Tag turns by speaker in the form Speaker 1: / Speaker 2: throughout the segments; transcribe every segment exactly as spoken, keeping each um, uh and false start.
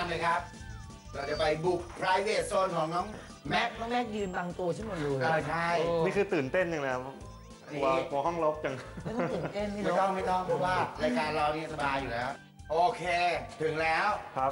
Speaker 1: เลยครับเราจะไปบุก private zone ของน้องแม็
Speaker 2: แม็
Speaker 1: ก
Speaker 2: กน้องแม็กยืนบังตัวฉันหมดเลย
Speaker 1: เออใช่
Speaker 3: นี่คือตื่นเต้นอย่างไรครับกลัวกลัวห้องรกจัง
Speaker 2: ไม่ต้องตื่นเต้นนี่
Speaker 1: ไม่
Speaker 2: เนาะ
Speaker 1: ต้องไม่ต้องเพราะว่ารายการเรานี่สบายอยู่แล้ว โอเคถึงแล้ว
Speaker 3: ครับ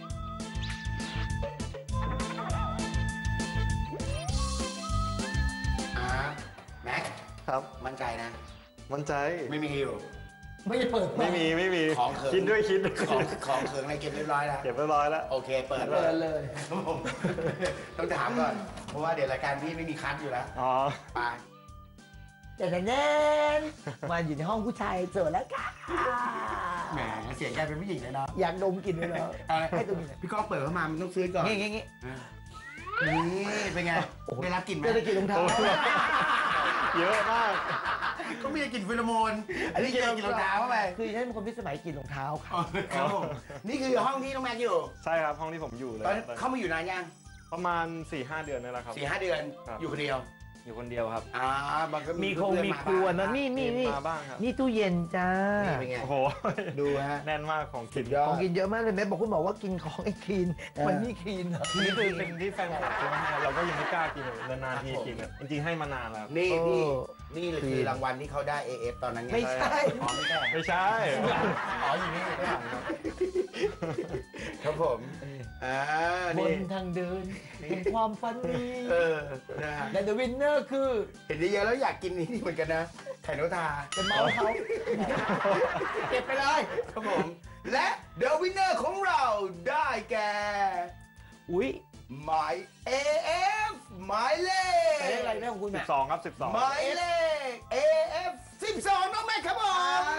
Speaker 1: อ่าแม็ก
Speaker 3: ครับ
Speaker 1: มั่นใจนะ
Speaker 3: มั่นใจ
Speaker 1: ไม่มีฮิว
Speaker 2: ไม่ได้เปิด
Speaker 3: ไม่มีไม่มี
Speaker 1: ของเขิน
Speaker 3: คิดด้วยคิดด้วย
Speaker 1: ของของเขิงอะไรเก็บเรียบร้อยแล้ว
Speaker 3: เก็บเรียบร้อยแล้ว
Speaker 1: โอเคเปิด
Speaker 2: เปิดเลย
Speaker 1: ครับผมต้องถามก่อนเพราะว่าเดี๋ยวรายการพี่ไม่มีคัดอยู่แล้ว
Speaker 3: อ๋อ
Speaker 1: ไป
Speaker 2: แต่แน่นมาอยู่ในห้องผู้ชายเจอแล้วค่ะ
Speaker 1: แหมเสียงแกเป็นผู้หญิงเลยเนาะ
Speaker 2: อยากดมกลิ่นเลยเหรอ
Speaker 1: อะไร
Speaker 2: ให้ดมกลิ่นหน่อย
Speaker 1: พี่ก้องเปิดเข้ามามันต้องซื้อก่อน
Speaker 2: งี้งี้งี้
Speaker 1: นี่เป็นไง
Speaker 2: โอ้โห
Speaker 1: ได้รับกลิ่นไหม
Speaker 2: จะได้กลิ่นรองเท้า
Speaker 3: เยอะมาก
Speaker 1: ก็มีกลิ่นฟิโรโมนอันนี้เจอกลิ่นรองเท้าเข้าไป
Speaker 2: คือฉันเป็นคนพิสมัยกลิ่นรองเท้าค่ะ
Speaker 1: ครับผมนี่คือห้องที่น้องแม็กอยู่
Speaker 3: ใช่ครับห้องที่ผมอยู่เลย
Speaker 1: ตอนเข้ามาอยู่นานยัง
Speaker 3: ประมาณ สี่ห้า เดือนนี่แหละครับ
Speaker 1: สี่ห้าเดือน
Speaker 3: ครับ
Speaker 1: อยู่คนเดียว
Speaker 3: อยู่คนเดียวครับ
Speaker 1: อ่าบางก็
Speaker 2: มีคงมีครัวนะนี่นี่นี่
Speaker 3: มาบ้างครับ
Speaker 2: นี่ตู้เย็นจ้า
Speaker 1: นี่เป็นไง
Speaker 3: โอ้โห
Speaker 1: ดูฮะ
Speaker 3: แน่นมากของกิน
Speaker 1: ยอ
Speaker 2: ของ
Speaker 1: ด
Speaker 2: กินเยอะมากเลยแม่บอกคุณบอกว่ากินของไอ้คลีน
Speaker 1: เออ
Speaker 2: มันนี่คลีนเหรอ
Speaker 3: นี่คือเป็นที่แฟนคลับซื้อมาให้เราก็ยังไม่กล้ากินเลยนานๆทีกินอะจริงๆให้มานานแล้ว
Speaker 1: นี่
Speaker 2: เออ
Speaker 1: นี่นี่เลยคือรางวัลที่เขาได้ เอ เอฟ ตอนนั้นไง
Speaker 2: ไม่ใช่
Speaker 1: อ๋อไม่ใช่
Speaker 3: ไม่ใช่
Speaker 1: อ๋ออยู่นี่ข้างหลังครับครับผมอ่า
Speaker 2: บ
Speaker 1: นี่
Speaker 2: นทางเดินเป็นความฝันดี
Speaker 1: เออนะฮะ
Speaker 2: และเดอะวินเนอร์คือ
Speaker 1: เห็นเยอะๆแล้วอยากกินนี่เหมือนกันนะไข่นกทา
Speaker 2: จะเมาเขาเก็บไปเลย
Speaker 1: ครับผม และเดอะวินเนอร์ของเราได้แก่
Speaker 2: อุ้ย
Speaker 1: หมาย เอ เอฟ หมายเล
Speaker 2: ไปได้อะไร
Speaker 1: ข
Speaker 2: แม่ของคุณ
Speaker 3: สิ
Speaker 2: แม่
Speaker 3: บสองครับสิบสอง
Speaker 1: หมายเลข เอ เอฟ สิบสองน้องแม็กครับผม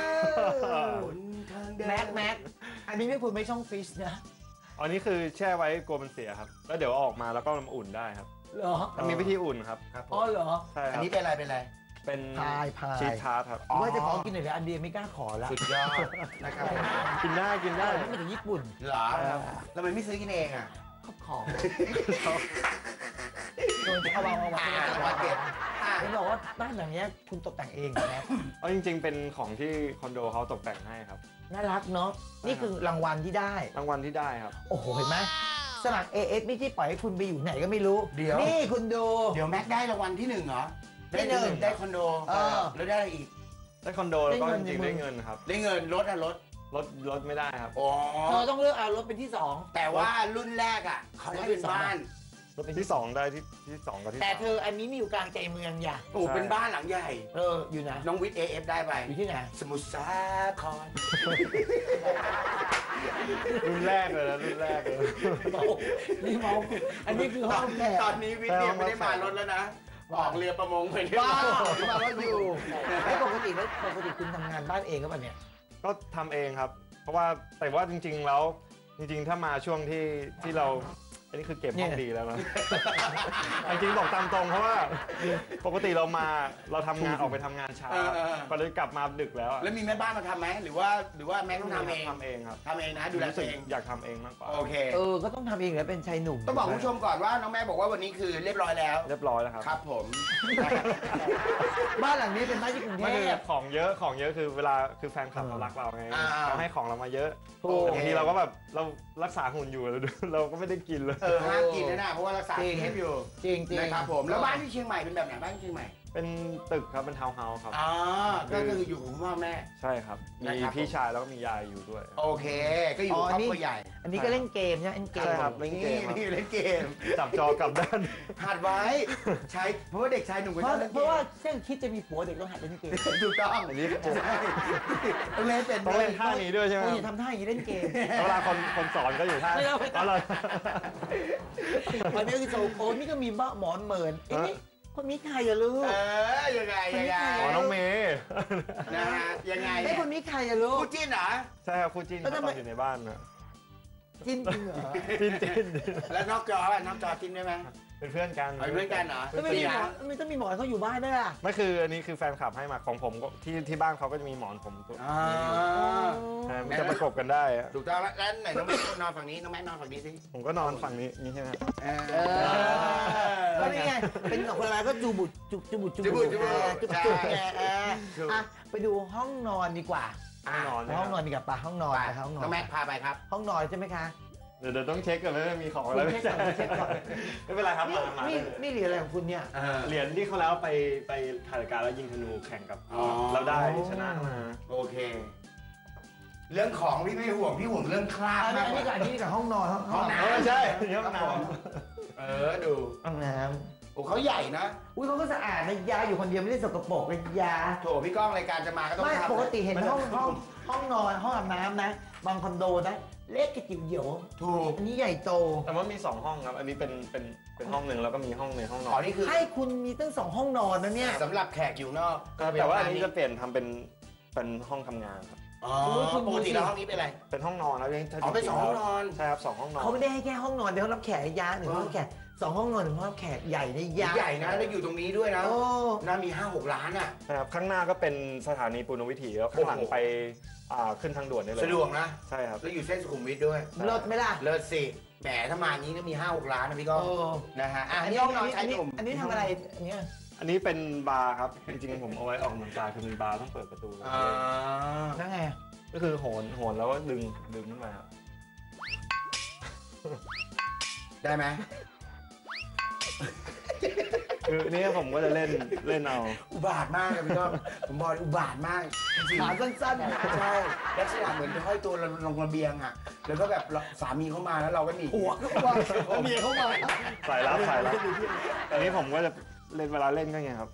Speaker 2: แม็กแม็กอันนี้ไม่ควรไม่ช่องฟิชนะ
Speaker 3: อันนี้คือแช่ไว้กลัวมันเสียครับ แล้วเดี๋ยวเอาออกมาแล้วก็มาอุ่นได้ครับ
Speaker 2: เหรอ
Speaker 3: มันมีวิธีอุ่นครับ
Speaker 1: ครับผ
Speaker 2: อ๋อ
Speaker 1: ม
Speaker 2: เหรอ
Speaker 3: ใช่ค
Speaker 1: อัน
Speaker 3: รับ
Speaker 1: นี้เป็นอะไรเป็นอะไร
Speaker 3: เป็น
Speaker 2: พายพาย
Speaker 3: ชีสทาร์ตครับ
Speaker 1: อ๋อ
Speaker 2: ว่าจะขอกินหน่อยเลยอันเดียวไม่กล้าขอละ
Speaker 1: สุดยอดนะครับ
Speaker 3: กินได้กินได้
Speaker 2: นี่มาจากญี่ปุ่น
Speaker 1: เหรอทำไมไม่ซื้อกินเองอ่ะ
Speaker 2: ขอบขอโดนเอาวางเอาวาง
Speaker 1: อ่าว่าเก็บอ่า
Speaker 2: เขาบอกว่าบ้านหลังเนี้ยคุณตกแต่งเองนะ
Speaker 3: เอาจริงๆ เป็นของที่คอนโดเขาตกแต่งให้ครับ
Speaker 2: น่ารักเนาะนี่คือรางวัลที่ได้
Speaker 3: รางวัลที่ได้ครับ
Speaker 2: โอ้โหเห็นไหมสมัคร เอ เอฟ นี่ที่ปล่อยให้คุณไปอยู่ไหนก็ไม่รู้
Speaker 1: เดี๋ยว
Speaker 2: นี่คุณดู
Speaker 1: เดี๋ยวแม็กได้รางวัลที่หนึ่งเหรอ
Speaker 2: ที่หนึ่ง
Speaker 1: ได้คอนโด
Speaker 2: เออ
Speaker 1: แล้วได้อะไรอีก
Speaker 3: ได้คอนโดแล้วก็
Speaker 2: ได้
Speaker 3: จ
Speaker 2: เงิน
Speaker 3: ริงๆ
Speaker 2: ในมือ
Speaker 3: ได้เงินครับ
Speaker 1: ได้เงินรถอะรถ
Speaker 3: ลดลดไม่ได้ครับ
Speaker 1: อ๋อ
Speaker 2: เธอต้องเลือกเอารถเป็นที่สอง
Speaker 1: แต่ว่ารุ่นแรกอ่ะเขาได้เป็นบ้าน
Speaker 2: รถเป็น
Speaker 3: ที่สองได้ที่ที่สองกับที่
Speaker 2: แต่
Speaker 3: สาม
Speaker 2: เธออันนี้มีอยู่กลางใจเมืองอย่า
Speaker 1: โอ้เป็นบ้านหลังใหญ่
Speaker 2: เอออยู่นะ
Speaker 1: น้องวิทย์ เอ เอฟ ได้ไป
Speaker 2: อยู่ที่ไหน
Speaker 1: สมุทรสาคร
Speaker 3: รุ่นแรกเลยนะรุ่นแรกเลย
Speaker 2: เมานี่เมาอันนี้คือห้องแขก
Speaker 1: ตอนนี้วิทย์เนี่ยไม่ได้มารถแล้วนะ ออกเรือประมงไปที่
Speaker 2: บ้าที่มารถอยู่แล้วปกติแล้วปกติคุณทำงานบ้านเองก็ป่ะเนี่ย
Speaker 3: ก็ทำเองครับ เพราะว่าแต่ว่าจริงๆแล้วจริงๆ ถ้ามาช่วงที่ที่เราอันนี้คือเก็บห้องดีแล้วนะ จริงๆบอกตามตรงเพราะว่าปกติเรามาเราทำงานออกไปทำงานเช้าก็เลยกลับมาดึกแล้วอะ
Speaker 1: แล้วมีแม่บ้านมาทำไหมหรือว่าหรือว่าแม็กต้องทำเอง
Speaker 3: ทำเองครับ
Speaker 1: ทำเองนะดูแล
Speaker 3: รู้
Speaker 1: ตั
Speaker 3: สึ
Speaker 1: ว
Speaker 3: ก
Speaker 1: เอง
Speaker 3: อยากทำเองมากกว่า
Speaker 1: โอเค
Speaker 2: เออก็ต้องทำเองแล้วเป็นชายหนุ่ม
Speaker 1: ต้องบอกคุณผู้ชมก่อนว่าน้องแม่บอกว่าวันนี้คือเรียบร้อยแล้ว
Speaker 3: เรียบร้อยแล้วครับ
Speaker 1: ครับผม
Speaker 2: บ้านหลังนี้เป็นบ้านที่กรุงเท
Speaker 3: ไม่คือ
Speaker 2: พ
Speaker 3: ของเยอะของเยอะคือเวลาคือแฟนคลับเขารักเราไง
Speaker 1: อ่า
Speaker 3: เขาให้ของเรามาเยอะ
Speaker 2: ถูก
Speaker 3: บางทีเราก็แบบเรารักษาหุ่นอยู่ เราเราก็ไม่ได้กินเลย
Speaker 1: เออห้ามกินนะนะเพราะว่ารักษา
Speaker 2: จริง
Speaker 1: เทปอยู่
Speaker 2: จริงจริง
Speaker 1: นะครับผมแล้วบ้านที่เชียงใหม่เป็นแบบไหนบ้านที่เชียงใหม่
Speaker 3: เป็นตึกครับเป็นทาวน์เฮาส์ครับ
Speaker 1: อ๋อก็คืออยู่กับคุณพ่อแม่
Speaker 3: ใช่ครับ มี
Speaker 1: นะครับ
Speaker 3: พี่ชายแล้วก็มียายอยู่ด้วย
Speaker 1: โอเค ก็อยู่กับครอบครัวใหญ่
Speaker 2: อันนี้ก็เล่นเกมใช่ไหมเล่นเกม
Speaker 3: ใช่ครับ เล่นเก
Speaker 1: นี่
Speaker 3: มครับ
Speaker 1: นี่เล่นเกม
Speaker 3: จับจอกลับด้าน
Speaker 1: หัดไว้ใช้เพราะว่าเด็กชายหนุ่มก็
Speaker 2: เพ
Speaker 1: ชอ
Speaker 2: ราะ
Speaker 1: บเล่น
Speaker 2: เพ
Speaker 1: เก
Speaker 2: ราะ
Speaker 1: ม
Speaker 2: ว่าเช่นคิดจะมีผัวเด็กต้องหัดเล่นเกม
Speaker 1: ถูกต้อง
Speaker 3: อันนี้
Speaker 1: ใช่ต้องเล่นเป็น
Speaker 3: ต้องเล่นท่านี้ด้วยใช่ไหม
Speaker 2: โอ้ยอย่าทำท่าอย่างนี้เล่นเกม
Speaker 3: เวลาคนคนสอนก็อยู่ท่า
Speaker 2: ไม่เอาไม่เอา
Speaker 3: เอาเลย
Speaker 2: อันนี้คือโซโคนนี่ก็มีบ้าหมอนเหมือนไอ้นี่คนนี้ใครอะลูก
Speaker 1: เออยังไงยังไง
Speaker 3: อ๋อน้องเมย์
Speaker 1: นะฮะยังไง
Speaker 2: ไอ้คนนี้ใครอะลูก
Speaker 1: คู่จิ้นเหรอ
Speaker 3: ใช่ครับคู่จิ้น
Speaker 2: แล้วทำ
Speaker 3: ต
Speaker 2: ไม
Speaker 3: อนอยู่ในบ้านนะ
Speaker 2: จิ้นจริงเหรอ
Speaker 3: จิ้นจิ้น
Speaker 1: แล้วนอกจอป่ะนอกจอจิ้นได้ไหม
Speaker 3: เป็นเพื่อนกัน
Speaker 1: เอาเป็นเพื่อนกันเหรอ
Speaker 2: แล้วไม่มีหมอนไม่ต้องมีหมอนเขาอยู่บ้านด้วยอะ
Speaker 3: ไม่คืออันนี้คือแฟนคลับให้มาของผมก็ที่ที่บ้านเขาก็จะมีหมอนผมตัว
Speaker 1: อ่า
Speaker 3: ใช่มันจะประกบกันได้อะ
Speaker 1: ถูกต้องแล้วแล้วไหนน้องแม่นอนฝั่งนี้น้องแม่นอนฝั่งนี้สิ
Speaker 3: ผมก็นอนฝั่งนี้นี่ใช่ไหม
Speaker 1: เอ
Speaker 2: เออก็นี่ไงเป็นของคนอะไรก็จูบุดจุจุบุดจุบุดจุบุดจุบุดจุไงเอออ่ะไปดูห้องนอนดีกว่า
Speaker 3: ห้องนอน
Speaker 2: ไปห้องนอนดีกว่าป่ะห้องนอน
Speaker 1: ไป
Speaker 2: ไปห้องนอน
Speaker 1: น้องแม็กพาไปครับ
Speaker 2: ห้องนอนใช่ไหมคะ
Speaker 3: เดี๋ยวเดี๋ยวต้องเช็คก่อนไม่มีของ
Speaker 2: คุ
Speaker 3: อะไร
Speaker 2: ณ
Speaker 3: ไม่
Speaker 2: เช็คก่อนคุณเช็คก่อน
Speaker 3: ไม่เป็นไรครับ
Speaker 2: นี่
Speaker 3: มามา
Speaker 2: นี่นี่เหรียญอะไรของคุณเนี่ย
Speaker 1: เออ
Speaker 3: เหรียญที่เขาแล้วไปไปถ่ายรายการแล้วยิงธนูแข่งกับ
Speaker 1: อ๋อ
Speaker 3: เราได้ชนะมา
Speaker 1: โอเค เรื่องของพี่ไม่ห่วงพี่ห่วงเรื่องคราบ
Speaker 2: อันนี้
Speaker 1: มาก
Speaker 2: อัน
Speaker 1: ก
Speaker 2: นี้
Speaker 1: ว่า
Speaker 2: กับอันนี้กับห้องนอนห้อง
Speaker 1: ห้อง
Speaker 2: น้
Speaker 1: น้
Speaker 3: เออใช่นี่ห้อง
Speaker 1: ครับ
Speaker 3: น้
Speaker 1: ผมเออดู
Speaker 2: ำห้องน้
Speaker 1: โอ้เขาใหญ่นะ
Speaker 2: ำอุ้ยเขาก็สะอาดนะยาอยู่คนเดียวไม่ได้สกปรกเลยยา
Speaker 1: โถพี่ก้องรายการจะมาก็ต้อง
Speaker 2: ไม่
Speaker 1: ทำ
Speaker 2: ปกติเห็น
Speaker 1: มั
Speaker 2: ห้อง
Speaker 1: จะ
Speaker 2: ห้องห้องนอนห้องอาบน้ำนะ บางคอนโดนะเล็กกระจิ๋วเหี่ยว
Speaker 1: ถูก
Speaker 2: อันนี้ใหญ่โต
Speaker 3: ำแต่ว่ามีสองห้องครับ อันนี้เป็นเป็นเป็นห้องหนึ่งแล้วก็มีห้องในห้องน
Speaker 1: อ๋
Speaker 3: อ
Speaker 1: อน นี่คือ
Speaker 2: ให้คุณมีตั้งสองห้องนอนนะเนี่ย
Speaker 1: สำหรับแขกอยู่นอกก็เป็
Speaker 3: แต่ว่าอัน
Speaker 1: ห้ง
Speaker 3: นี้จะเปลี่ยนทำเป็นเป็นห้องทำงานครับ
Speaker 1: อ๋อปกติแล้วห้องนี้เป็นอะไร
Speaker 3: เป็นห้องนอนแล้วยัง
Speaker 1: อ๋อเป็นสองห้องนอน
Speaker 3: ใช่ครับสองห้องนอน
Speaker 2: เขาไม่ได้ให้แค่ห้องนอนเดี๋ยวห้องรับแขกยาหนึ่ง
Speaker 1: อ๋อ
Speaker 2: ห้องรับแขกสองห้องนอนหนึ่งห้องรับแขกใหญ่ในยา
Speaker 1: ใหญ่นะแล้วอยู่ตรงนี้ด้วยนะ
Speaker 2: โอ้
Speaker 1: น่ามีห้าหกล้านอ่ะ
Speaker 3: ใช่ครับข้างหน้าก็เป็นสถานีปุณณวิถีแล้วข้างหลัง
Speaker 1: โอ้โห
Speaker 3: ไปอ่าขึ้นทางด่วนได้เลย
Speaker 1: สะดวกนะ
Speaker 3: ใช่ครับ
Speaker 1: แล้วอยู่เส้นสุขุมวิทด้วย
Speaker 2: เลิศไหมล่ะ
Speaker 1: เลิศสิแหมถ้ามาอย่างนี้ก็มีห้าหกล้านนะพี่ก้อง
Speaker 2: โอ้
Speaker 1: นะฮะอ่ะอันนี้ห้องนอนชาย
Speaker 2: อัน
Speaker 1: ห
Speaker 2: นี้
Speaker 1: นุ่ม
Speaker 2: อันนี้ทำอะไรอันเนี้ย
Speaker 3: อันนี้เป็นบาร์ครับจริงๆผมเอาไว้ออกกำลังกายคือมีบาร์ต้องเปิดประตูเลย
Speaker 1: อ่า
Speaker 2: นั่นไง
Speaker 3: ก็คือโหนโหนแล้วก็ดึงดึงขึ้นมาครับ
Speaker 1: ได้ไหม
Speaker 3: คือนี่ผมก็จะเล่นเล่นเอา
Speaker 1: อุบาทมากเลยพี่ก้องผมบอกเลยอุบาทมากจริง
Speaker 2: ขาสั้นๆ
Speaker 1: ๆใช่ลักษณะเหมือนไปห้อยตัวลงระเบียงอ่ะแล้วก็แบบสามีเข้ามาแล้วเราก็หนี
Speaker 2: หัวก็ว่าเมียเข้ามา
Speaker 3: สายลับสายลับอันนี้ผมก็จะเล่นเวลาเล่นก็ไงครับ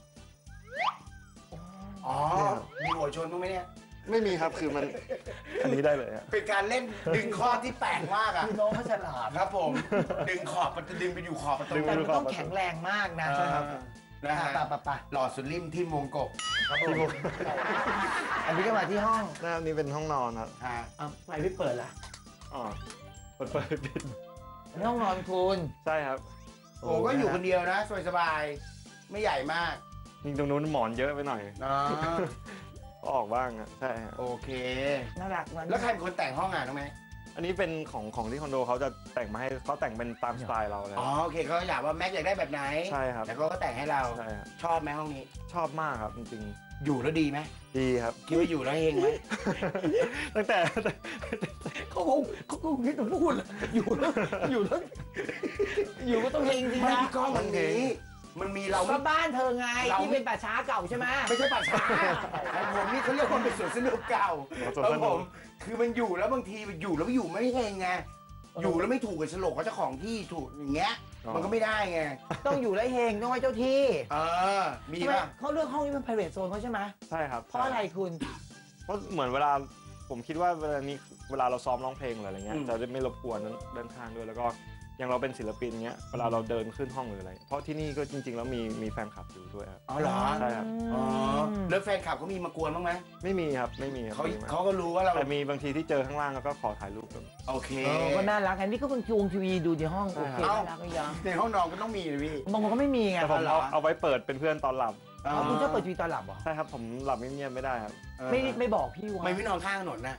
Speaker 1: อ๋อมีหัวชนบ้างไหมเนี่ย
Speaker 3: ไม่มีครับคือมันอันนี้ได้เลยฮะ
Speaker 1: เป็นการเล่นดึงข้อที่แปลกมากอ่ะ
Speaker 2: คือน้องเขาฉลาด
Speaker 1: ครับผม ดึงขอบมันจะดึงไปอยู่ขอบประตู
Speaker 2: แต่มันต้องแข็งแรงมากนะ
Speaker 1: ใช่ครับนะฮะ
Speaker 2: ปะปะปะ
Speaker 1: หลอดสุดริมที่มวงกบครับผม
Speaker 2: อันนี้ก็มาที่ห้อง
Speaker 3: หน้านี้เป็นห้องนอนครับ
Speaker 1: อ่า
Speaker 2: อ่ะไฟไม่เปิดล่ะ
Speaker 3: อ๋อเปิดเปิดปิด
Speaker 2: อันนี้ห้องนอนคุณ
Speaker 3: ใช่ครับ
Speaker 1: โอ้ก็อยู่คนเดียวนะสบายๆไม่ใหญ่มาก
Speaker 3: จริงตรงนู้นหมอนเยอะไปหน่อย
Speaker 1: อ๋อ
Speaker 3: ก็ออกบ้างอ่ะใช่ฮะ
Speaker 1: โอเค
Speaker 2: น่ารักมัน
Speaker 1: แล้วใครเป็นคนแต่งห้องอ่ะน้องแม่
Speaker 3: อันนี้เป็นของของที่คอนโดเขาจะแต่งมาให้เขาแต่งเป็นตามสไตล์เราเลย
Speaker 1: อ๋อโอเคเขาอยากว่าแม็กอยากได้แบบไหน
Speaker 3: ใช่ครับ
Speaker 1: แล้วเขาก็แต่งให้เรา
Speaker 3: ใช่ครับ
Speaker 1: ชอบไหมห้องนี้
Speaker 3: ชอบมากครับจริง
Speaker 1: อยู่แล้วดีไหม
Speaker 3: ๆดีครับ
Speaker 1: คิดว่าอยู่แล้วเฮงไหม
Speaker 3: ตั้งแต่
Speaker 2: เขาคงเขาคงคิดว่าพูดเลยอยู่แล้วอยู่แล้วอยู่ก็ต้องเฮงจริง
Speaker 1: ไม่
Speaker 2: นะ
Speaker 1: พี่ก้องมันมีมันมีเรา
Speaker 2: ก็บ้านเธอไง
Speaker 1: เรา
Speaker 2: ที่เป็นป่าช้าเก่าใช่ไหม
Speaker 1: ไม่ใช่ป่าช้าของผมนี่เขาเรียกว่าเป็นสวนสนุกเก่า
Speaker 3: อ๋อสวน
Speaker 1: ค
Speaker 3: ส
Speaker 1: รับ
Speaker 3: นุก
Speaker 1: ผมคือมันอยู่แล้วบางทีอยู่แล้วอยู่ไม่เฮงไงอยู่แล้วไม่ถูกกับโฉลกกับเจ้าของที่ถูกอย่างเงี้ยมันก็ไม่ได้ไง
Speaker 2: ต้องอยู่แล้วเฮงต้องไว้เจ้าที่
Speaker 1: เออมี
Speaker 2: ทำไม
Speaker 1: ป่ะ
Speaker 2: เขาเลือกห้องนี้เป็น private zone เขาใช่ไหม
Speaker 3: ใช่ครับ
Speaker 2: เพราะอะไรคุณ
Speaker 3: เพราะเหมือนเวลาผมคิดว่าเวลานี้เวลาเราซ้อมร้องเพลงหรืออะไรเงี้ยจะได้ไม่รบกวนด้านข้างด้วยแล้วก็อย่างเราเป็นศิลปินเงี้ยเวลาเราเดินขึ้นห้องหรืออะไร เพราะที่นี่ก็จริง ๆ แล้วมีมีแฟนคลับอยู่ด้วยครับ
Speaker 1: อ๋อเหรอ
Speaker 3: ใช่ครับ
Speaker 1: อ๋อแล้วแฟนคลับเขามีมากวนบ้างไหม
Speaker 3: ไม่มีครับไม่มีครับ
Speaker 1: เขา
Speaker 3: ไม่มี
Speaker 1: เขาก็รู้ว่าเรา
Speaker 3: แต่มีบางทีที่เจอข้างล่างแล้วก็ขอถ่ายรูปกัน
Speaker 1: โอเค
Speaker 2: เออก็น่ารักอันนี้ก็เป็นจูงทีวีดูในห้อง
Speaker 3: ใช่
Speaker 2: โอเค
Speaker 3: ครับ
Speaker 2: น่ารักก็ยัง
Speaker 1: ในห้องนอนก็ต้องมีเลยพี่
Speaker 2: บางคนก็ไม่มีไง
Speaker 3: แต่ผม
Speaker 1: เหรอ
Speaker 3: เอาเอาไว้เปิดเป็นเพื่อนตอนหลับ
Speaker 1: อ๋อ
Speaker 2: อ๋อคุณชอบเปิดทีวีตอนหลับเหรอ
Speaker 3: ใช่ครับผมหลับเงียบๆไม่ได้ครับ
Speaker 1: เออ
Speaker 2: ไม่ไม่บอกพี่วะ
Speaker 1: ไม่ไม่นอนข้างถนนนะ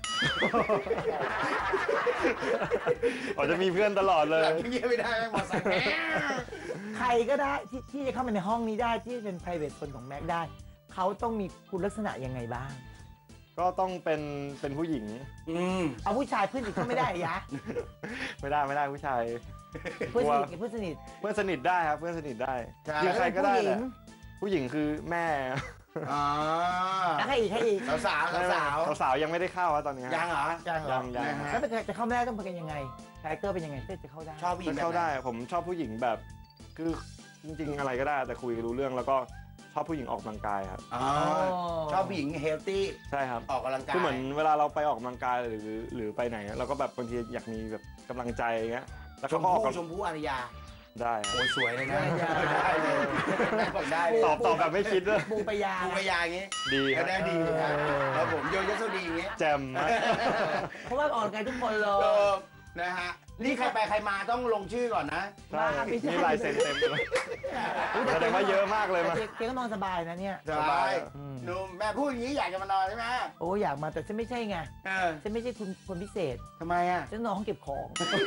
Speaker 3: อ๋อจะมีเพื่อนตลอดเลย
Speaker 1: หลับเงียบไม่ได้แม่งมอไซค์แม่
Speaker 2: ใครก็ได้ที่ที่จะเข้ามาในห้องนี้ได้ที่เป็น private zone ของแม็กได้เขาต้องมีคุณลักษณะยังไงบ้าง
Speaker 3: ก็ต้องเป็นเป็นผู้หญิง
Speaker 1: อืม
Speaker 2: เอาผู้ชายเพื่อนสนิทก็ไม่ได้เหรอยะ
Speaker 3: ไม่ได้ไม่ได้ผู้ชาย
Speaker 2: เพื่อนสนิทกับเพื่อนสนิท
Speaker 3: เพื่อนสนิทได้ครับเพื่อนสนิทได้
Speaker 1: ใช่
Speaker 3: คือใครก็ได้
Speaker 2: ผู้ห
Speaker 3: แห
Speaker 2: ญิ
Speaker 3: ละ
Speaker 2: ง
Speaker 3: ผู้หญิงคือแม่
Speaker 1: อ๋อ
Speaker 2: แล้วใครอีกใครอีก
Speaker 1: สาวสาวสาวสาว
Speaker 3: สาวๆยังไม่ได้เข้าครับตอนนี้
Speaker 1: ยังเหรอ
Speaker 2: ยังเหรอ
Speaker 3: ยังยัง
Speaker 1: นะฮะ
Speaker 2: แล้วเป็นจะเข้าไม่ได้ต้องเป็นยังไงคาแรคเตอร์เป็นยังไงเพื่อจะเข้าได้
Speaker 1: ชอบผู้หญิ
Speaker 3: จะ
Speaker 1: งแบบ
Speaker 3: เข้า
Speaker 1: ไหน
Speaker 3: ได้ผมชอบผู้หญิงแบบ คือจริงๆอะไรก็ได้แต่คุยรู้เรื่องแล้วก็ชอบผู้หญิงออกกำลังกายครับ
Speaker 1: อ๋อชอบผู้หญิงเฮลตี้
Speaker 3: ใช่ครับ
Speaker 1: ออกกำลังกาย
Speaker 3: คือเหมือนเวลาเราไปออกกำลังกายหรือหรือไปไหนเราก็แบบบางทีอยากมีแบบกำลังใจอย่างเงี้ยแล้ว
Speaker 1: ช
Speaker 3: เขา
Speaker 1: ม
Speaker 3: ก็ออก
Speaker 1: พู่
Speaker 3: กำ
Speaker 1: ชมพู่อารยา
Speaker 3: ได้
Speaker 1: โอ้ยสวยเลยนะ
Speaker 2: ได้
Speaker 1: ได้เลยแม่บอกได้เลย
Speaker 3: ตอบตอบแบบไม่คิดด้วย
Speaker 2: บูปยา
Speaker 1: ปูปยาอย่างงี้
Speaker 3: ดีค
Speaker 1: ก็
Speaker 3: รับ
Speaker 1: ได้ดีนะแล้วผมโยยศดีอย่างงี้
Speaker 3: แจ่มมาก
Speaker 2: เพราะว่าออกกำลังกายทุกคนเล
Speaker 1: เอย อนะฮะนี่ใครไปใครมาต้องลงชื่อก่อนนะ
Speaker 3: ใช่มีลายเซ็นเต็มเลยแสดงว่าเยอะมากเลยมา
Speaker 2: เจ๊ก็นอนสบายนะเนี่ย
Speaker 1: สบาย
Speaker 2: อืม
Speaker 1: หนุ่มแม่พูดอย่างนี้อยากจะมานอนใช่ไหม
Speaker 2: โอ้อยากมาแต่ฉันไม่ใช่ไง
Speaker 1: เออ
Speaker 2: ฉันไม่ใช่คุณคนพิเศษ
Speaker 1: ทำไมอ่ะ
Speaker 2: ฉันนอนห้องเก็บของ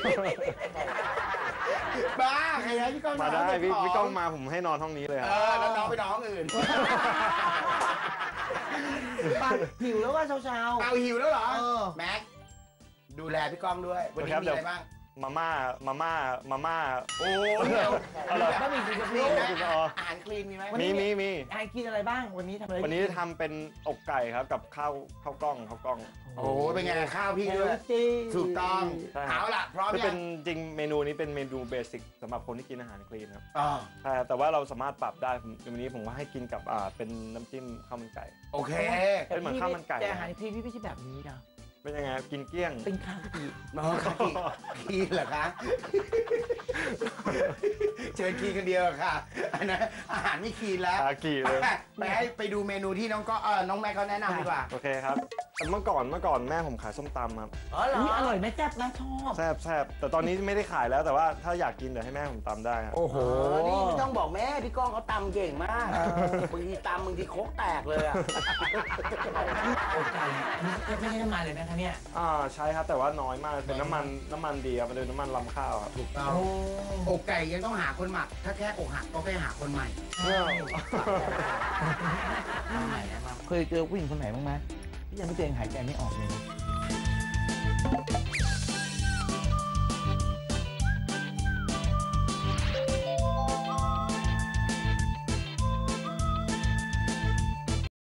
Speaker 1: บ้าใครนะพี่ก้อง
Speaker 3: มาได้
Speaker 1: นน
Speaker 3: พี่
Speaker 1: เบข
Speaker 3: พี่ก้องมาผมให้นอนห้องนี้เลยค
Speaker 1: เอ
Speaker 3: รับ
Speaker 1: อแล้วน้องไปนอนห้องอื่น
Speaker 2: ปากหิวแล้วว่าเช้า
Speaker 1: เอาหิวแล้วเหรอ
Speaker 2: เออ
Speaker 1: แม็กดูแลพี่ก้องด้วยวันนี้มีอะไรบ้าง
Speaker 3: จมาม่ามาม่ามาม่า
Speaker 1: โอ้ย
Speaker 3: เอาเหรอ
Speaker 2: บะหมี่กึ่งสำ
Speaker 1: มี
Speaker 2: เร็จ
Speaker 1: ไหม
Speaker 2: นะ
Speaker 3: อ๋อ
Speaker 1: อาหารคลีนมีไหม
Speaker 3: มีมีมี
Speaker 2: ไอ้กินอะไรบ้างวันนี้ทำอะไร
Speaker 3: วันนี้ทำเป็นอกไก่ครับกับข้าวข้าวกล้องข้าวกล้อง
Speaker 1: โอ้ยเป็นไงข้าวพี่
Speaker 2: เฮ
Speaker 1: ด้
Speaker 2: ล
Speaker 1: วย
Speaker 2: ตี้
Speaker 1: ถูกต้อง
Speaker 3: ใช่ครับ
Speaker 1: เอาล่ะพร้อม
Speaker 3: คือ
Speaker 1: ยั
Speaker 3: เป็
Speaker 1: ง
Speaker 3: นจริงเมนูนี้เป็นเมนูเบสิกสำหรับคนที่กินอาหารคลีนครับ
Speaker 1: อ๋อ
Speaker 3: ใช่แต่ว่าเราสามารถปรับได้ผมวันนี้ผมว่าให้กินกับอ่าเป็นน้ำจิ้มข้าวมันไก่
Speaker 1: โอเค
Speaker 2: แต่
Speaker 3: เป็นเหมือน
Speaker 2: พี่
Speaker 3: ข้าวมันไก่
Speaker 2: แต่อาหารคลีนพี่ไม่ใช่แบบนี้นะ
Speaker 3: เป็นยังไงครับกินเกลี้ยง
Speaker 2: เป็นคากิ
Speaker 1: น้องคีคีเหรอคะเชิญคีคนเดียวค่ะอันนั้นอาหารไม่คีแล้ว
Speaker 3: คากิเลย
Speaker 1: ไปให้ไปดูเมนูที่น้องก็เออน้องแม่เขาแนะนำดีกว่า
Speaker 3: โอเคครับแต่เมื่อก่อนเมื่อก่อนแม่ผมขายส้มตำครับ
Speaker 1: อ๋อเหรอ
Speaker 2: อุ๊ยอร่อยไหมแซ่บนะชอบ
Speaker 3: แซ่บแซ่บแต่ตอนนี้ไม่ได้ขายแล้วแต่ว่าถ้าอยากกินเดี๋ยวให้แม่ผมตำได้ครับ
Speaker 2: โอ้โห
Speaker 1: โอ้นี่ไม่ต้องบอกแม่พี่ก้องเขาตำเก่งมากบางทีตำบางทีโคกแตกเลยอ่ะ
Speaker 2: โอ้ไก่ไม่ใช่น้ำมันเลยนะคะเนี่ย
Speaker 3: อ่าใช่ครับแต่ว่าน้อยมากเป็นน้ำมันน้ำมันดีครับมันเป็นน้ำมันลำข้าวครับ
Speaker 1: ถูกต้อง
Speaker 2: โอ้
Speaker 1: อกไก่ยังต้องหาคนหมัก ถ้าแค่อกหักก็แค่หาคนใหม่
Speaker 2: เอาใหม่นะมาเคยเจอผู้หญิงคนไหนบ้างไหมที่ยังไม่เจอหายใจไม่ออกเลยนะ